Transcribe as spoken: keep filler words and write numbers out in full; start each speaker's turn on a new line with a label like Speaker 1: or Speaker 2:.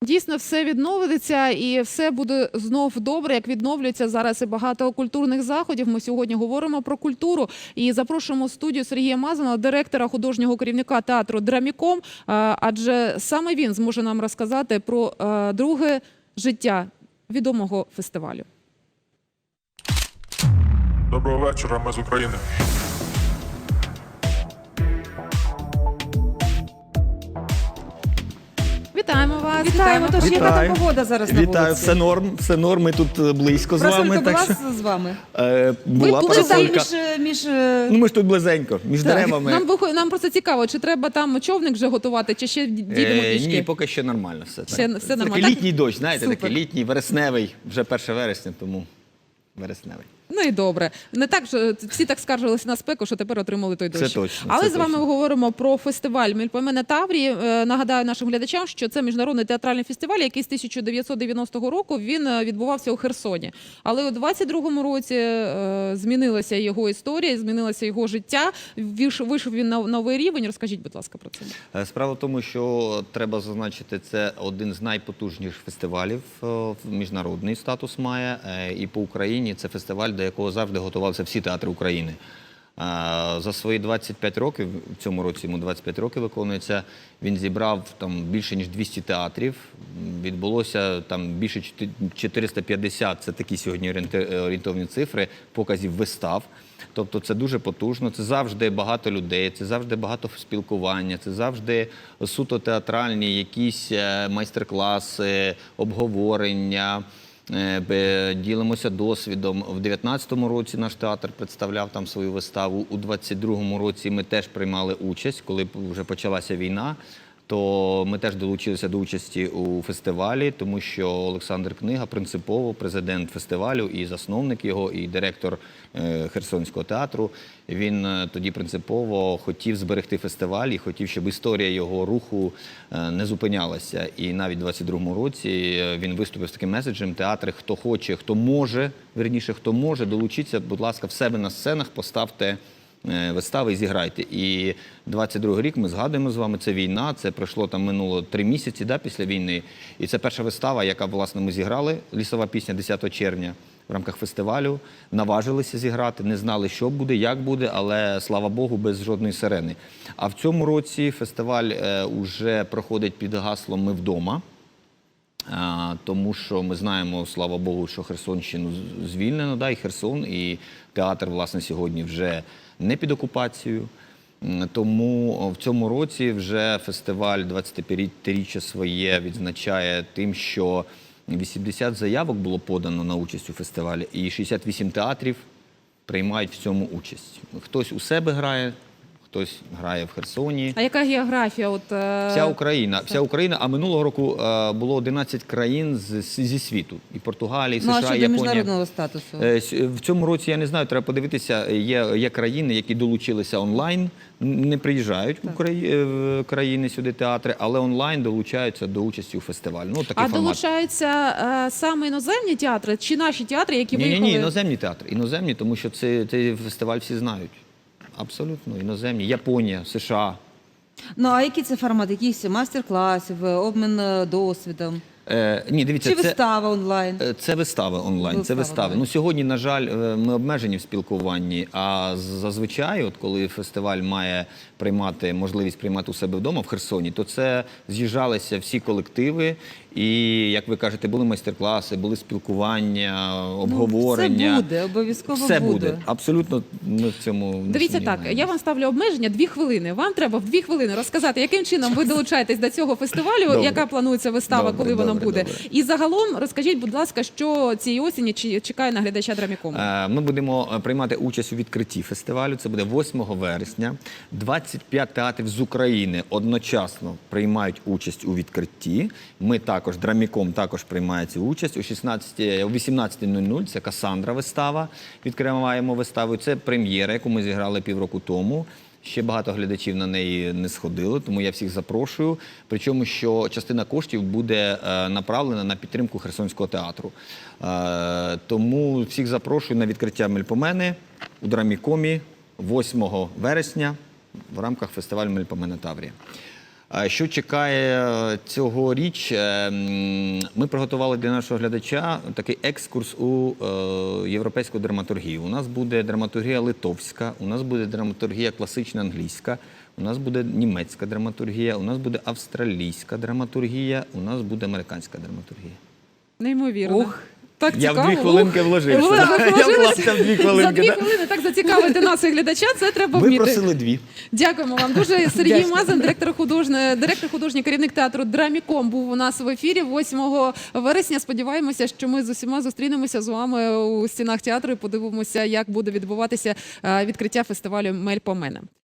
Speaker 1: Дійсно, все відновиться і все буде знов добре, як відновлюється зараз і багато культурних заходів. Ми сьогодні говоримо про культуру і запрошуємо в студію Сергія Мазана, директора, художнього керівника театру «Драміком», адже саме він зможе нам розказати про друге життя відомого фестивалю.
Speaker 2: Доброго вечора, ми з України.
Speaker 1: Вітаємо вас.
Speaker 3: Вітаємо. Тож,
Speaker 4: Вітаю.
Speaker 3: яка там погода зараз на вулиці?
Speaker 4: Вітаю, все норм, все норм, ми тут близько з вами.
Speaker 3: Просулька була
Speaker 4: Так що,
Speaker 3: з вами?
Speaker 4: е, була
Speaker 1: були
Speaker 3: Чи там
Speaker 4: парасолька.
Speaker 3: між... між е,
Speaker 4: Ну ми ж тут близенько, між деревами.
Speaker 1: Нам, вихо- нам просто цікаво, чи треба там човник вже готувати, чи ще дійдемо
Speaker 4: Е,
Speaker 1: пішки?
Speaker 4: ні, поки що нормально все.
Speaker 1: Все-
Speaker 4: так.
Speaker 1: все нормально.
Speaker 4: Такий
Speaker 1: Так?
Speaker 4: літній дощ, знаєте,
Speaker 1: Супер.
Speaker 4: такий літній, вересневий, вже перше вересня, тому вересневий.
Speaker 1: Ну і добре. Не так, що всі так скаржилися на спеку, що тепер отримали той дощ.
Speaker 4: Це точно,
Speaker 1: Але
Speaker 4: це
Speaker 1: з вами
Speaker 4: точно.
Speaker 1: говоримо про фестиваль «Мельпомена Таврії». Е, Нагадаю нашим глядачам, що це міжнародний театральний фестиваль, який з тисяча дев'ятсот дев'яностого року він е, відбувався у Херсоні. Але у двадцять другому році е, змінилася його історія, змінилося його життя. Вийшов, вийшов він на новий рівень. Розкажіть, будь ласка, про це.
Speaker 4: Е, Справа в тому, що треба зазначити, це один з найпотужніших фестивалів, е, міжнародний статус має, е, і по Україні це фестиваль, до якого завжди готувалися всі театри України. Е, За свої двадцять п'ять років, в цьому році йому двадцять п'ять років виконується, він зібрав там більше ніж двісті театрів, відбулося там більше чотириста п'ятдесят, це такі сьогодні орієнти- орієнтовні цифри, показів вистав. Тобто це дуже потужно, це завжди багато людей, це завжди багато спілкування, це завжди суто театральні якісь е, майстер-класи, обговорення, е, бе- ділимося досвідом. В дев'ятнадцятому році наш театр представляв там свою виставу, у двадцять другому році ми теж приймали участь, коли вже почалася війна. То ми теж долучилися до участі у фестивалі, тому що Олександр Книга принципово президент фестивалю і засновник його, і директор е, Херсонського театру. Він е, тоді принципово хотів зберегти фестиваль і хотів, щоб історія його руху е, не зупинялася. І навіть у двадцять другому році е, він виступив з таким меседжем: театри, хто хоче, хто може, вірніше, хто може, долучіться, будь ласка, в себе на сценах поставте вистави і зіграйте. І двадцять другий рік ми згадуємо з вами, це війна, це пройшло там минуло три місяці да, після війни. І це перша вистава, яка, власне, ми зіграли, «Лісова пісня» десятого червня в рамках фестивалю. Наважилися зіграти, не знали, що буде, як буде, але, слава Богу, без жодної сирени. А в цьому році фестиваль е, уже проходить під гаслом «Ми вдома». А, тому що ми знаємо, слава Богу, що Херсонщину звільнено, да, і Херсон, і театр, власне, сьогодні вже не під окупацією. М, Тому в цьому році вже фестиваль двадцятип'ятиріччя своє відзначає тим, що вісімдесят заявок було подано на участь у фестивалі, і шістдесят вісім театрів приймають в цьому участь. Хтось у себе грає, хтось грає в Херсоні.
Speaker 1: А яка географія? От, е,
Speaker 4: Вся Україна, вся Україна, а минулого року е, було одинадцять країн з, з- зі світу. І Португалія, і
Speaker 3: Ну, а
Speaker 4: США, і
Speaker 3: щодо
Speaker 4: Японія.
Speaker 3: міжнародного статусу?
Speaker 4: Е, с- В цьому році, я не знаю, треба подивитися, є, є країни, які долучилися онлайн, н- не приїжджають в Украї- в країни сюди театри, але онлайн долучаються до участі у фестивалі. Ну, такий
Speaker 1: А
Speaker 4: формат.
Speaker 1: долучаються е, саме іноземні театри чи наші театри, які
Speaker 4: Ні, ні,
Speaker 1: виїхали?
Speaker 4: ні, іноземні театри. Іноземні, тому що це, цей фестиваль всі знають. Абсолютно, іноземні. Японія, США.
Speaker 3: Ну, а який це формат? Якісь мастер-класів, обмін е, досвідом?
Speaker 4: Е, ні, дивіться,
Speaker 3: Чи
Speaker 4: це...
Speaker 3: вистава онлайн?
Speaker 4: Е, Це вистави онлайн, це
Speaker 3: Вистави
Speaker 4: вистави.
Speaker 3: онлайн.
Speaker 4: Ну, сьогодні, на жаль, е, ми обмежені в спілкуванні, а зазвичай, от коли фестиваль має приймати, можливість приймати у себе вдома в Херсоні, то це з'їжджалися всі колективи, і, як ви кажете, були майстер-класи, були спілкування, обговорення.
Speaker 3: Ну, це буде, обов'язково
Speaker 4: Все
Speaker 3: буде.
Speaker 4: буде. Абсолютно ми в цьому не
Speaker 1: Дивіться так,
Speaker 4: сумніваємося.
Speaker 1: я вам ставлю обмеження дві хвилини. Вам треба в дві хвилини розказати, яким чином ви долучаєтесь до цього фестивалю,
Speaker 4: Добре.
Speaker 1: яка планується вистава,
Speaker 4: Добре,
Speaker 1: коли вона
Speaker 4: добре,
Speaker 1: буде.
Speaker 4: добре.
Speaker 1: І загалом розкажіть, будь ласка, що цієї осені чи- чекає на глядача Драмікому?
Speaker 4: Е, Ми будемо е, приймати участь у відкритті фестивалю. Це буде восьмого вересня. двадцять п'ять театрів з України одночасно приймають участь у відкритті. Ми також, Драміком, також приймає цю участь. О шістнадцятій, о вісімнадцятій нуль нуль це Касандра вистава. Відкриваємо виставу. Це прем'єра, яку ми зіграли півроку тому. Ще багато глядачів на неї не сходили, тому я всіх запрошую. Причому, що частина коштів буде е, направлена на підтримку Херсонського театру. Е, тому всіх запрошую на відкриття Мельпомени у Драмікомі восьмого вересня в рамках фестивалю Мельпомена Таврія. А що чекає цьогоріч? Е, м, Ми приготували для нашого глядача такий екскурс у е, європейську драматургію. У нас буде драматургія литовська, у нас буде драматургія класична англійська, у нас буде німецька драматургія, у нас буде австралійська драматургія, у нас буде американська драматургія.
Speaker 1: Неймовірно.
Speaker 3: Ух.
Speaker 1: Так
Speaker 4: Я
Speaker 1: цікаво.
Speaker 4: в дві хвилинки
Speaker 1: Ух.
Speaker 4: вложився.
Speaker 1: Ви
Speaker 4: Я
Speaker 1: вложилися?
Speaker 4: вклався в дві
Speaker 1: За
Speaker 4: хвилинки.
Speaker 1: дві
Speaker 4: да.
Speaker 1: хвилини так зацікавити нас і глядача, це треба
Speaker 4: Ви
Speaker 1: вміти.
Speaker 4: просили дві.
Speaker 1: Дякуємо вам дуже. Сергій
Speaker 3: Дякую.
Speaker 1: Мазан, директор художньої, директор художній керівник театру Драміком, був у нас в ефірі восьмого вересня. Сподіваємося, що ми з усіма зустрінемося з вами у стінах театру і подивимося, як буде відбуватися е, відкриття фестивалю Мельпомена.